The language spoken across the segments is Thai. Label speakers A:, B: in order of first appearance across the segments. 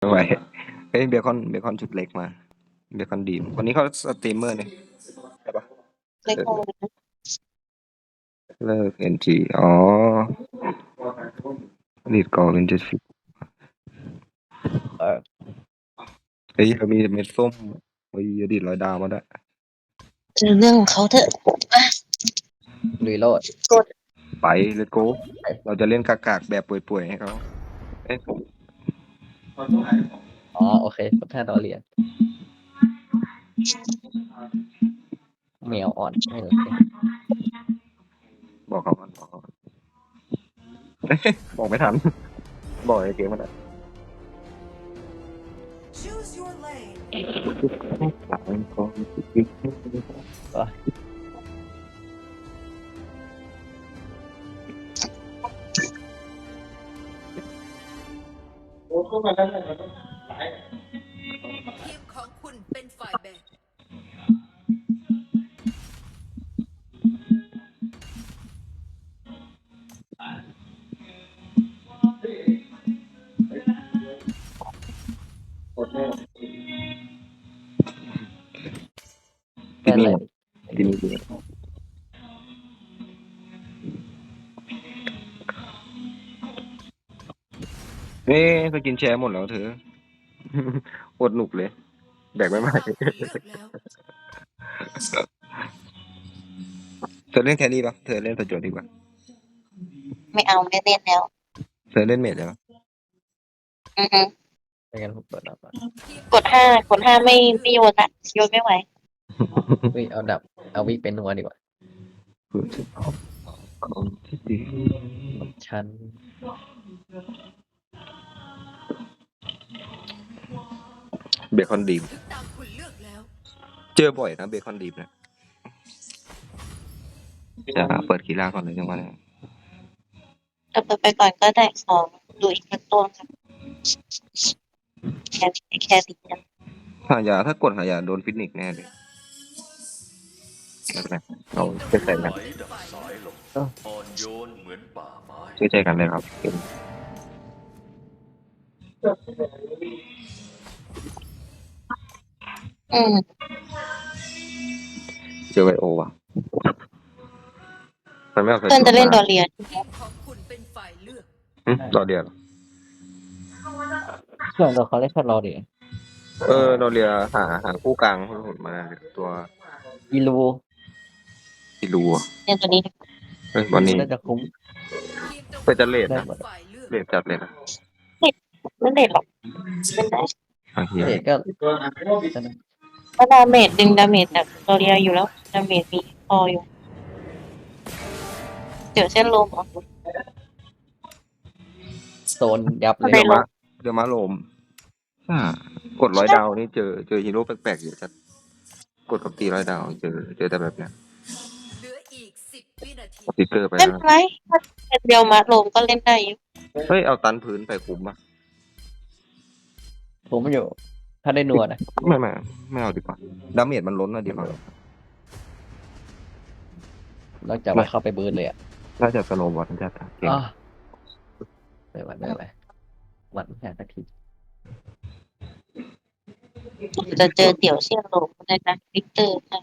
A: ไม่ไหวเฮ้ยเบคอนชุดเล็กมาเบคอนดีมวันนี้เขาสตรีมเมอร์เนี่ยใช่ปะ
B: เล็กลงนะ
A: เลิกเอ็นจีอ๋อลีดกอเป็น70
C: เออ
A: เฮ้ยเรามีเม็ดส้มเฮ้ยอดีต100 ดาวมาได้
B: เจอเรื่องของเขาเถอะอ่ะ
C: ลุยโลด
B: กด
A: ไปเลตโกเราจะเล่นกากๆแบบป่วยๆให้เขาเอ้ย
C: อ๋อโอเค15 ดอลเหรียญแมวอ่อนไม่โอเค
A: บอกเขาก่อนบอกเขาก่อนเอ้ยบอกไม่ทันบอกในเกมมันอะ
D: Choose your lane. ทีมของคุณเป็นฝ่ายแบ่ง
C: แม่นเลย
A: กินนี่เฮ้ยไปกินแชร์หมดแล้วเธอ อดหนุกเลยแบกไม่ไหว
D: เลือกแล้ว
A: เธอเล่นแครี่ปะเธอเล่นประโยชน์ดีกว่า
B: ไม่เอาไม่เล่นแล้ว
A: เธอเล่นเมจได้ปะ
B: อือฮึ
C: ไม่งั้นผมเปิดดับอ่ะ
B: กดห้าไม่โยนละโยนไม่ไหว
C: เฮ้ยเอาดับเอาวิเป็นนัวดีกว่า
A: เพื่อจะพบคนที่ดี
C: ชั้น
A: เบคอนดีม
D: ถึงตามคุณเลือกแล้ว
A: เจอบ่อยนะเบคอนดีมนะจะเปิดกีฬาก่อนเลยจังหวะนี้
B: แต่เปิดไปก่อนก็ได้ของดูอีกสักตัวครับแค่ติดกัน
A: ถ้ากดหายาโดนฟินิกแน่เลยไม่เป็นไรเราเชื่อใจกัน
E: ไหลดับสายลมอ่อนโยนเหมือนป่าไม้
A: เชื่อใจกันเลยครับ
B: อืม
A: เจอไวโอว่ะมันไม่เอา
B: เพื่อนจะเล่นดอเรียน
D: ทีมของคุณเป็นฝ่ายเลือก
A: ดอเรียเหรอ
C: เครื่องเราเขาเล่นแค่รอดิ
A: ดอเรียหาคู่กลางมาตัว
C: อีลู
A: ที่รู้อ่ะ
B: เรียนตัวนี้
A: วันนี้
C: น่าจะคุ้ม
D: ทีมตรง
A: ก็จะเลท
C: ได้
A: นะ
C: หมด
D: ฝ่ายเลือก
A: เลทจัดเลยนะ
B: ไม่เด็ดหรอกเล่นได้
A: โอเค
C: เด็กก็
B: เพราะดาเมจดึงดาเมจจากดอเรียอยู่แล้วดาเมจมีพออยู่เดี๋ยวเส้นลมออก
C: โซนยับเลย
A: เดี๋ยวมาโลมกด100 ดาวนี่เจอฮีโร่แปลกๆเยอะจัดกดกับตี100 ดาวเจอแต่แบบเนี้ย
D: เหลืออีก10 วินาที
A: สติ๊กเกอร์ไป
B: เล่น
A: แล้ว
B: ไรถ้าเป็นเดียวมาลมก็เล่นได้อยู่
A: เฮ้ยเอาตันพื้นไปคุ้มป่ะ
C: ผมอยู่ ถ้าได้นัวนะ
A: ไม่เอาดีกว่าดาเมจมันล้นอะดีกว่าน
C: อกจากว่าเข้าไปเบิร์นเลยอ่ะ
A: น่าจะสโนว์บอลจะเก่ง
C: อ้าไม่หวั่นไม่อะไรหวั่นแค่สักที
B: จะเจอเดี่ยวเส้นลมได้นะวิกเตอร์นะ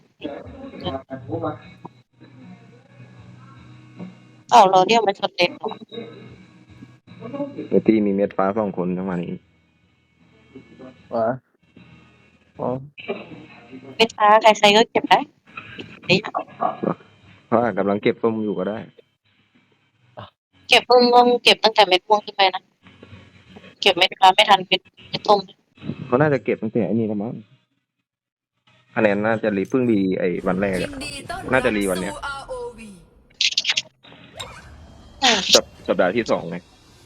B: เราเรียกมันชนเด่นหรอ
A: เมตีมีเม็ดฟ้า2 คนจังหวะนี้
C: ว้าอ๋อ
B: ไม่ช้าใครๆก็เก็บได้นี่
A: เพราะกำลังเก็บส้มอยู่ก็ได้
B: เก็บต้องเก็บตั้งแต่เม็ดม่วงขึ้นไปนะเก็บเม็ดฟ้าไม่ทันเม็ดส้ม
A: เขาน่าจะเก็บตั้งแต่ไอ้นี่แล้วมั้งคะแนนน่าจะเพิ่งรีไอ้วันแรก
D: ยิ
A: อะ
D: นดีต้อนรับ
A: น่าจะรีวันเนี้ย
D: สู่ ROV
A: สัปดาห์ที่2ไง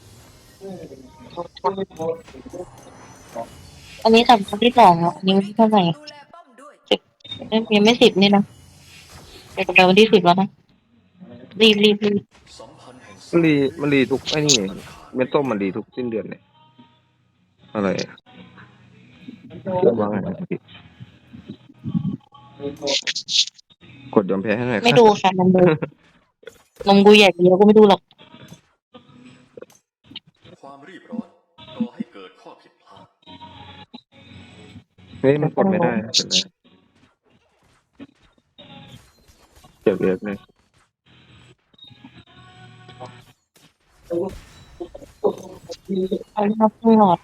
B: อันนี้สำคัญที่สองอ่ะนิ้วเท่าไหร่
D: ดูแลป้อมด้วย
B: ยังไม่10นี่นะเดี๋ยววันที่10แล้วนะรีบ
E: สัมพันธ์แห่ง
A: มันรีทุกไอ้นี่เม็ดส้มมันรีทุกสิ้นเดือนเลยอะไรเรื่องว่าไงกดยอมแพ้ให้หน่อย
B: ไม่ดูค่ะนมกูใหญ่เดียวก็ไม่ดูหรอก
E: ความรีบร้อนก่อให้เกิดข้อผิดพลาด
A: เฮ้ยมันกดไม่ได้เห็นไหมเจ็บเยอะเลย
B: เอาเรียกขึ้นหลอด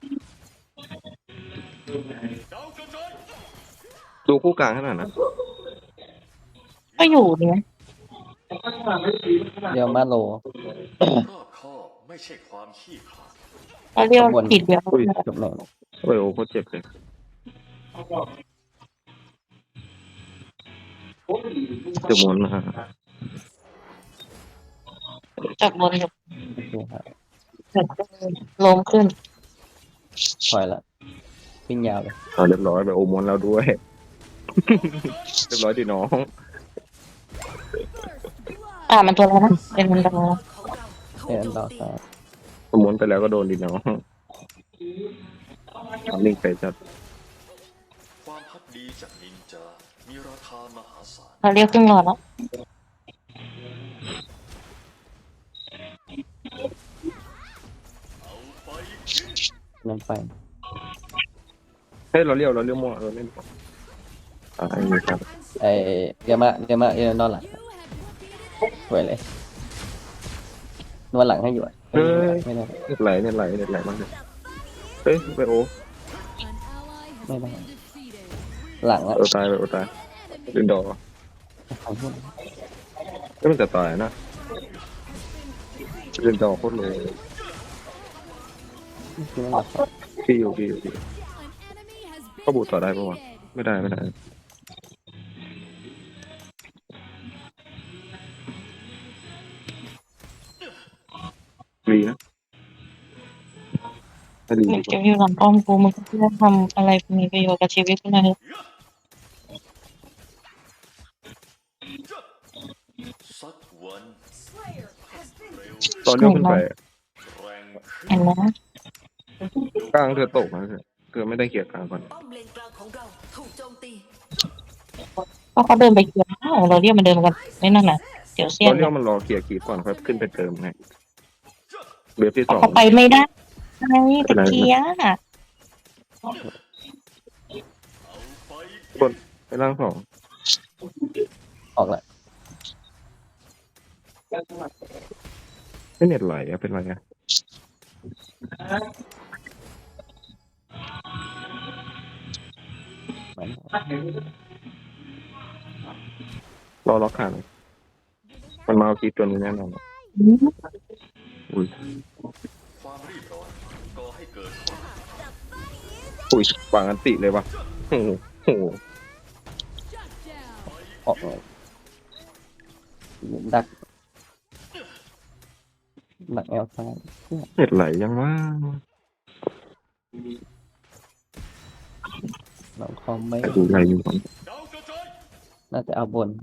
E: ดาวกระจาย
A: ดูคู่กลางขนาดนั้น
B: ก็อยู่เนี่ย
C: เรียวมาโล
E: รอบคอบไม่ใช่ความขี้ขลาด
B: ก็เรียกผิดเดียว
C: จบแล้ว
A: โอ้ยโอ้โคตรเจ็บเลยเจ็บมวนนะฮะ
B: จากบนอยู่
C: โอเคครับ
B: ลมขึ้น
C: ถอยละวิ่งยาวเลย
A: เอาเรียบร้อยไปโอมอนแล้วด้วย เรียบร้อยดิน้อง
B: มันตัวอะไรนะเป็นมันดาว
C: เอ็นดาวซ้าย
A: โอมอนไปแล้วก็โดนดิน้องเอาลิงไปจัด
E: ความพักดีจากนินจา มีราคามหาศาล
B: เราเรียกขึ้นหลอดแล้ว
E: เอาไป
C: นั่นไป
A: เฮ้ยเราเลี้ยวมั่วเราเล่นอะไรนี่ครับ
C: ไอเรียวมาเรียวนอนหลังสวยเลยนวดหลังให้อยู่อะไม่ได้
A: เน็ตไหลมากเลยเฮ้ยไปโอ
C: ไม่ได้หลังอะ
A: โอตายลินดอร์
C: ของพุ่น
A: ไม่มันจะตายนะลินดอร์โคตรเลย
C: คือมันหลับ
A: พี่อยู่ก็บูตต่อได้ปะวะไม่ได้ดีนะถ้าดี
B: มันจะอยู่หลังป้อมกูมึงเพื่อทำอะไรมีประโยชน์กับชีวิตกูหน่อยเถอะ
E: สักวัน
A: ตอนเลี้ยวขึ้นไป
E: แรง
B: เห็นไหม
A: กลางเธอตกนะเธอไม่ได้เกี่ยร์กลางก่อน
D: ป้อมเลนกลางของเราถูกโจมตี
B: ก็เขาเดินไปเกี่ยวเราเรียกมันเดินมากันไม่นั่นน่ะเดี๋ยวเสี้ย
A: ต
B: น
A: อนเลี้ยวมันรอเกี่ยร์กีก่อนค่อยขึ้นไปเติมไงเบฟที่สอง
B: เขาไปไม่ได้ไงตะเกีย
E: เอาไป
A: ไปล่างสอง
C: ออกละ
A: ไม่เน็ตไหลอะเป็นไรอะรอล็อกขาหน่อยมันมาเอาคีตัวนี้แน่นอนอุ้ย
E: ความรีบร้อนก่อให้เกิดความ
A: อุ้ยวางอันติเลยวะโอ้โห
C: ออกเลยดักแอลซ้าย
A: เน็ตไหลยังว่า
C: ลองคอมไม่
A: แต่ดูไหลอยู่ก่อน
E: ดาวกระจาย
C: น่าจะเอาบน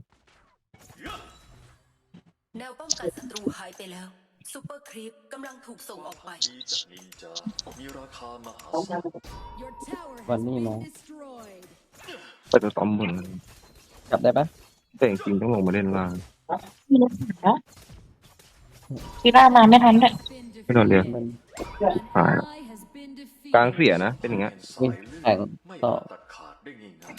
D: แนวป้องกันศัตรูหายไปแล้วซูเปอร์ครีปกำลังถูกส่งออกไป
E: ดีจากนินจา มีราคามหาศาล
C: วันนี้มา
A: ไปจะต้อมบน
C: กลับได้ปะ
A: แต่จริงๆต้องลงมาเล่นล่าง
B: มีรถหาคีร่ามาไม่ทันเลย
A: ไม่โดนเรียก
C: มัน
A: หายแล้วกลางเสียนะเป็นอย่างเงี้ย
E: สายเลื
C: แข่ง
E: ไม่
C: ต่อ
E: ตัดขาดได้ง่าย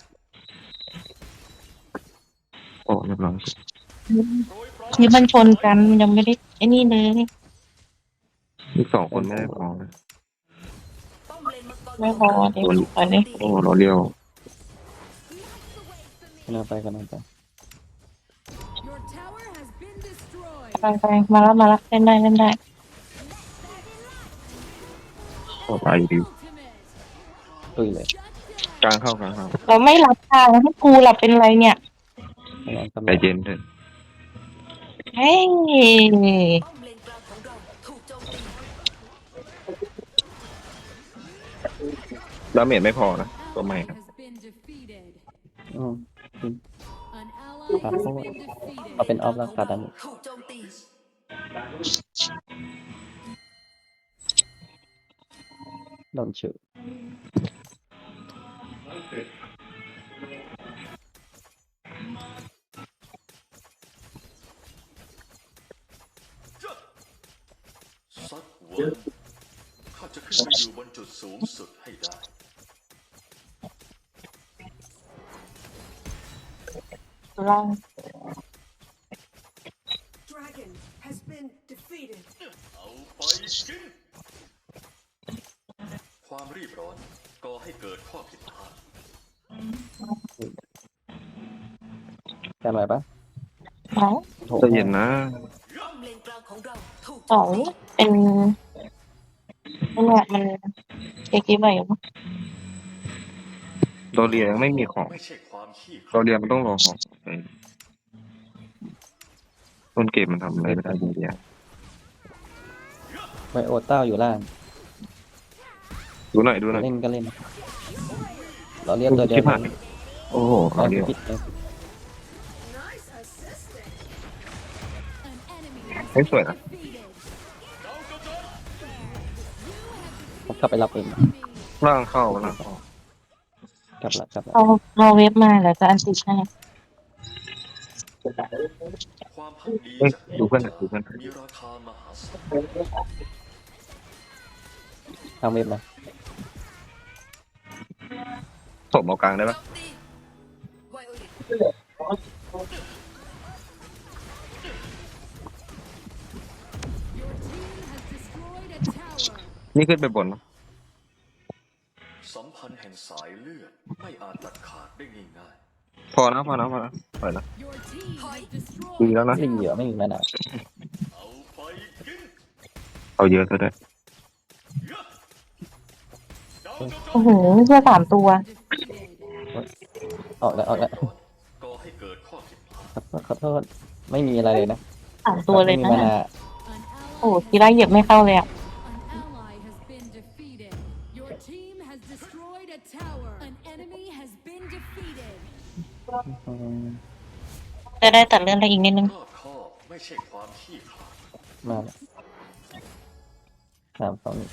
A: โอ้เรียบร้อย
E: ๆ
B: ที่มันชนกันยังไม่ได้ไอ้นี่เลย
A: อีกสองคนไม่ได้พอเลย
D: ป้อมเลนมังกร
B: ไม่พอเดี๋ยวไปเลย
A: โอ้เราเลี้ยว
C: กันเอาไปกันเอาไป
B: ไปมาแล้วเล่นได้
A: โอ้ตายอยู่ดี
C: ตุยเลย
A: กลางเข้า
B: เราไม่รับทางให้กูหลับเป็นไรเนี่ย
C: คะแนนกำ
A: ใจ
C: ลัง
A: เย็นเถอะ
B: เฮ้ย
D: ป้อมเลนกลางของเราถูกโจมตี
A: ดาเมจไม่พอนะตัวใหม่ครับ
C: อืมครับเอาเป็นออฟแล้วขาดอันนี้
D: ถูกโจมตี
C: โดนชื่อ
E: สักวันข้าจะขึ้นไปอยู่บนจุดสูงสุดให้ได้
B: ล่าง
F: Dragon has been defeated.
E: เอาไปกิน ความรีบร้อนก่อให้เกิดข้อผิดพลาด
C: กันไหวปะ
B: ไหน
C: โถ
A: ใจะเย็นนะ
D: ป้อมเลนกลางของเราถูก
B: สองเป็นนั่นแหละมันเช็คกี้ใหม่อยู่ปะ
A: โดเรียยังไม่มีของ
E: ไม่ใช่ความขี้ข
A: โดเรียมันต้องรอของต้นเกมมันทำอะไรไม่ได้โดเรีย
C: ไวโอเต้าอยู่ล่าง
A: ดูหน่อยดูหน่อย
C: เล่นก็เล่น เราเรียกตัวเดียว
A: ที่ผ่านโอ้โห
C: เอา
A: เอาเดียว
C: พิษเลย
F: Nice assisting.
A: เฮ้ยสวยนะ
C: ผมกลับไปรับเอง
A: ล่างเข้าล่างเข้าก
C: ลับละกลับละ
B: เราเว็บมาแล้วจะอันติดให้
E: ความพักดี
A: เฮ้ย
E: จาก
A: ดูเพื่อนหน่อยดูเพื่อน
E: มีราคามหาศาล
C: ทางเว็บนะ
A: ผมเอากลางได้ปะ
D: โจมตีไวโอเลต
A: นี่ขึ้นไปบนปะ
E: สัมพันธ์แห่งสายเลือดไม่อาจตัดขาดได้ง่าย
A: พอนะพอนะพอนะปล่อยนะ
D: ถอย
A: ดีแล้วนะ
C: ไม่เหลือไม่มีมานาว
E: ๆเอาไปกิน
A: เอาเยอะซะด้วย
B: โอ้โหเพื่อสามตัว
C: ออกแล้วออกแล้ว
E: ก่อให้เกิดข้อผิดพลาด
C: ขอโทษไม่มีอะไรเลยนะ
B: สามตัวเลย
C: ไม่
B: นะ
C: มีมานา
B: โอ้ทีไรเหยียบไม่เข้าเลยอ่ะ
G: An ally has been defeated. Your team has destroyed a tower. An enemy has been defeated.
C: อืม
B: จะได้ตัดเลื่อนอะไรอีกนิดนึง
E: รอบคอบไม่ใช่ความขี้ขลาด
C: มาแล้ว3-2-1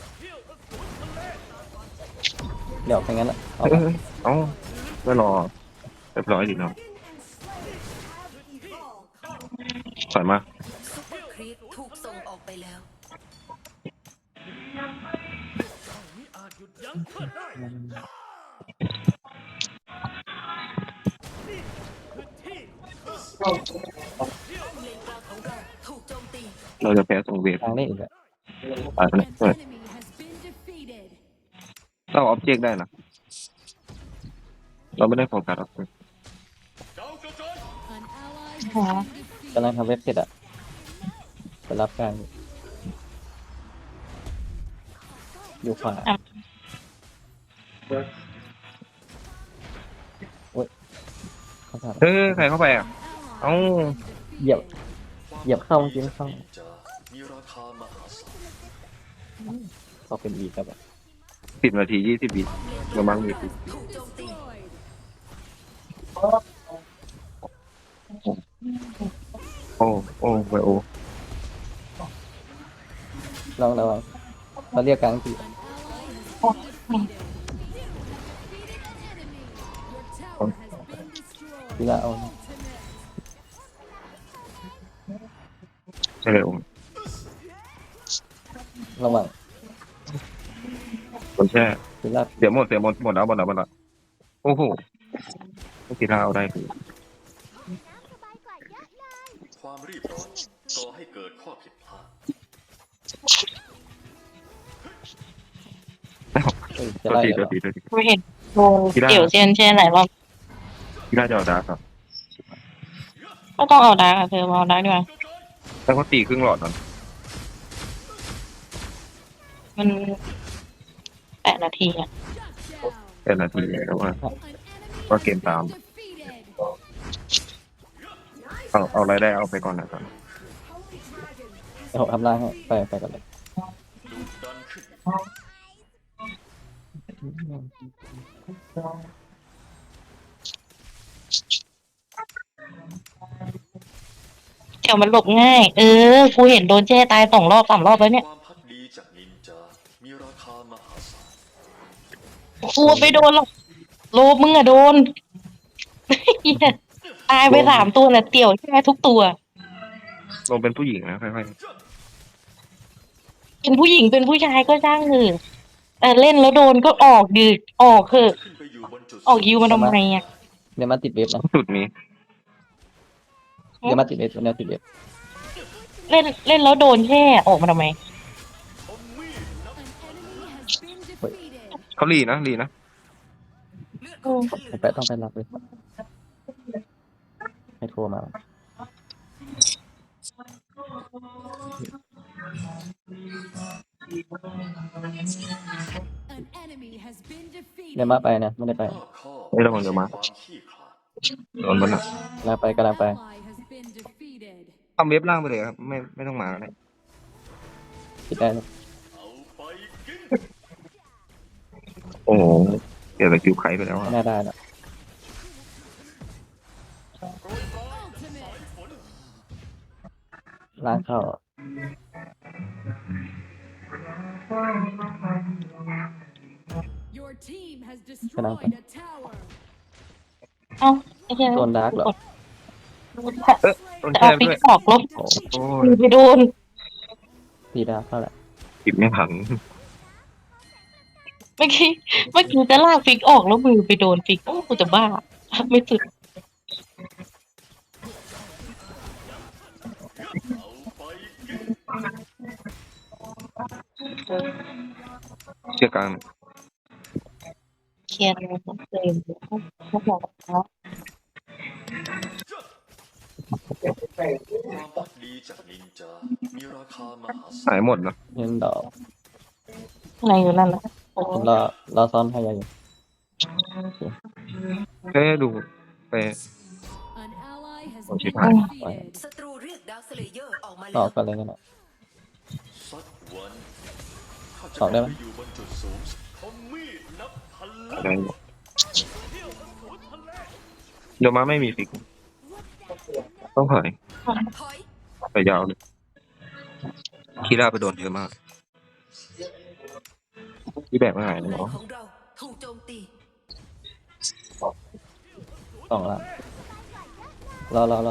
C: เดี๋ยวไปงั้นละเอา
A: เอ้
C: ละ
A: ยเอ้าไม่รอเรียบร้อยดีเนาะ
F: Dragon and Slayer have evolved.
A: ถอยมา
D: ซุปเปอร์ครีปถูกส่งออกไปแล้ว ป้อมเลนกลางของเราถูกโจมตี
A: เราจะแพ้ส่งเวท
C: ทางได้อีกอะ
A: ตายไป
G: An
A: เลยเปิด
G: enemy has been defeated.
A: เราออบเจกต์ได้นะเราไม่ได้โฟกัสออบเจกต์
G: An ally has
B: Huh?
G: been defeated.
C: กำลังทำเว็บเสร็จอะไปรับการอยู่ขวาโอ้ยเข้าผ่าน
A: เฮ้ยใครเข้าไปอ่ะ เอ้า
C: เหยียบ เหยียบเข้าเมื่อกี้ไม่เข้า
E: นินจามีราคามหาศาล
C: ก็เป็นอีกครับอะ
A: 10 นาที 20 วิประมาณนี้
D: ถูกโจมตี
A: โอ้โอ้ไวโอ
C: ลองระวังเราเรียกกลางที
G: An ally has been defeated. You have defeated an enemy. Your tower has been destroyed.
C: ทีละเอา
G: Ultimate.
A: ใช่เลยโอ้
C: ระวัง
A: คนแช่
C: ทีละ
A: เสียหมดหมดแล้วโอ้โหทีท่าเอาได้คือ
E: ความรีบร้อนก่อให้เกิดข้อผิดพลาด
C: เอ้ยจะ
A: ตัว
C: ไล่
A: ที
C: เหร
A: ตัว
C: อ
A: ทีตัวที
B: ไม่เห็นโดนเกี่ยวเซียนเช่นไหนรอบ
A: ทีท่าจะเอาดาร์กครับ
B: ก็ต้องเอาดาร์กอะเธอมาเอาดาร์กดีกว่า
A: แล้วก็ตีครึ่งหลอดนั้น
B: มัน8 นาทีอ่ะ
G: Shut down.
A: เป็นนาทีแล้วว่า
G: An enemy
A: Qua
G: has
A: kiểm
G: been
A: tạm.
G: defeated.
A: เอาอะไรได้เอาไปก่อนนะครับ
F: Holy Dragon
C: เดี๋ยวผมทำล่างให้ไปกันเลย
E: ดุดันขึ้น
B: เกี่ยวมันหลบง่าย กูเห็นโดนแช่ตาย2 รอบ 3 รอบแล้วเนี่ย
E: ความพักดีจากนินจา มีราคามหาศาล
B: กูไม่โดนหรอกโลบมึงอะโดน เหี้ยตายไป3 ตัวน่ะเตี่ยวแช่ทุกตัว
A: ลงเป็นผู้หญิงนะค่อย
B: เป็นผู้หญิงเป็นผู้ชายก็ช่างเถอะแต่เล่นแล้วโดนก็ออกดึกออกเถอะ
E: ขึ้นไปอยู่บนจุด
B: ออกยิวมาทำไมอ่ะ
C: เดี๋ยวมาติดเว็บนะ
A: ๆสุดนี้
C: ดี๋ยวมาติดเอสวันนี้ติดเอส
B: เล่นเล่นแล้วโดนแช่ออกมาทำไม
G: An enemy has been defeated.
A: เขาลีนะลีนะ
C: ไปต้องไปรับเลยให้โทรมา
G: An enemy has been
C: เดี๋ยว
G: defeated.
C: มาไปนะไม่ได้ไป
E: รอบคอบ
A: ไม่ระวังเดี๋ยวมา
E: ความขี้ขลาด
A: โดนบนอ่ะ
C: กำลังไปกำลังไป
G: Ally has been defeated.
A: ทำเว็บล่างไปเลยครับไม่ต้องมาแล้วนะ
C: ติดได้นะ
E: เอาไปกิน
A: โอ้โหเดี๋ยวสกิลไคไปแล้ว
C: ไม่
A: อะ
C: น่าได้นะ
G: Ultimate.
C: ล้างเข้า
G: Your team has destroyed a tower.
B: เอ้าไอ้เหี้ย
C: โดนดาร์กเหรอ
A: โดน
B: จะ
A: แช่
B: เอา
A: ด้
B: ฟิก
A: วย
B: ออกลบ
A: โอ้
B: มื
A: ย
B: อไปโดน
C: ตีดาร์กเข้าแหละ
A: ปิดไม่ทัน
B: เมื่อกี้จะลากฟิกออกแล้วมือไปโดนฟิกโอ้กูจะบ้าไม่สุด
A: เชื่อกลาง
B: เคลียร์เลยเขาบอกแล้ว
E: ความพักดีจากนินจา มีราคามหาศา
A: หา
E: ล
A: ยหมดนะ
C: เงินดอก
B: อะไรอยู่นั่นนะโอ้
C: ผมรอซ้อนให้ยาอยู่
A: แค่ดูไป
G: An ally has
A: Oh,
G: been
A: shit.
G: defeated.
D: ศัตรูเรียกดาวสเลเยอร์ออกมา
C: ต่
D: แล้
C: อ
D: ว
C: กันเลยกันนะ
E: สักวันข้าจะ
C: ออกได้ไหม
E: ไปอยู่บนจุดสูงสุดของมีดนับพัน
A: อะ
E: เล่
A: ไร
E: ม
A: หมดเดี๋ยวมาไม่มีฟิก ต้องถอย
D: ถอย
A: ไปยาวเลยคีร่าไปโดนเยอะมากที่แบกไม่หายเลย
D: ใน
A: เนาะ
D: ของเราถูกโจมตี
C: สองละรอ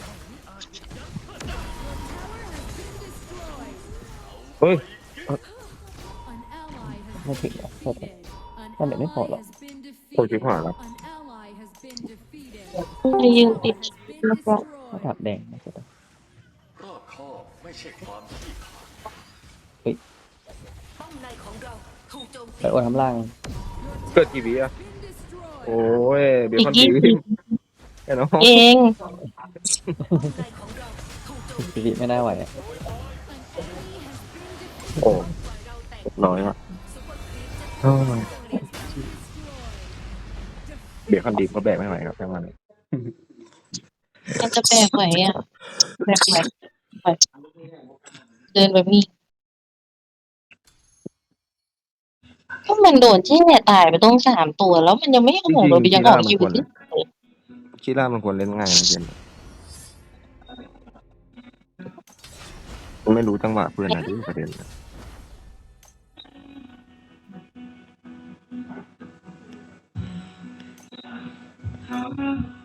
A: เฮ้ย
G: An ally has
C: ไม่ถึง
G: been
C: อ่ะ
G: defeated. An
C: Không, để nó khỏi
G: ally
C: lắm.
G: has been
A: โอ้ยชิบ
G: defeated.
A: หายแล้ว
G: An ally has been defeated.
B: ไปยืนติด
G: Has been
C: ถ้า
G: destroyed.
C: ถับแดงนะ
E: รอบคอบไม่ใช่ความขี้ขลาด
D: ป้อมในของเราถูกโจมตี
C: ไปโอนทำล่าง
A: เกิดกี่วิอะ
G: Been destroyed.
A: โอ้ยเบ
B: อี
A: ค
B: ก
A: อน
B: ยี่
A: ที
B: สิบ
A: แค่น้อง
B: เอง
D: ป้อมในของเราถูกโจมตี
C: สิริไม่น่าไหวอะ
A: โอ้น้อยว่ะโอ้ยเบคอนดีก็แบกไม่ไหวครับแค่มัน
B: มันจะแบกไหวอ่ะแบกไหวเดินแบบนี้ก็มันโดนแช่ตายไปต้อง3 ตัวแล้วมันยังไม่ออกเรายังออกอยู่ที่
A: คีร่ามันควรเล่นง่ายนะเกมมันไม่รู้จังหวะเพื่อนนะที่ประเด็นนะ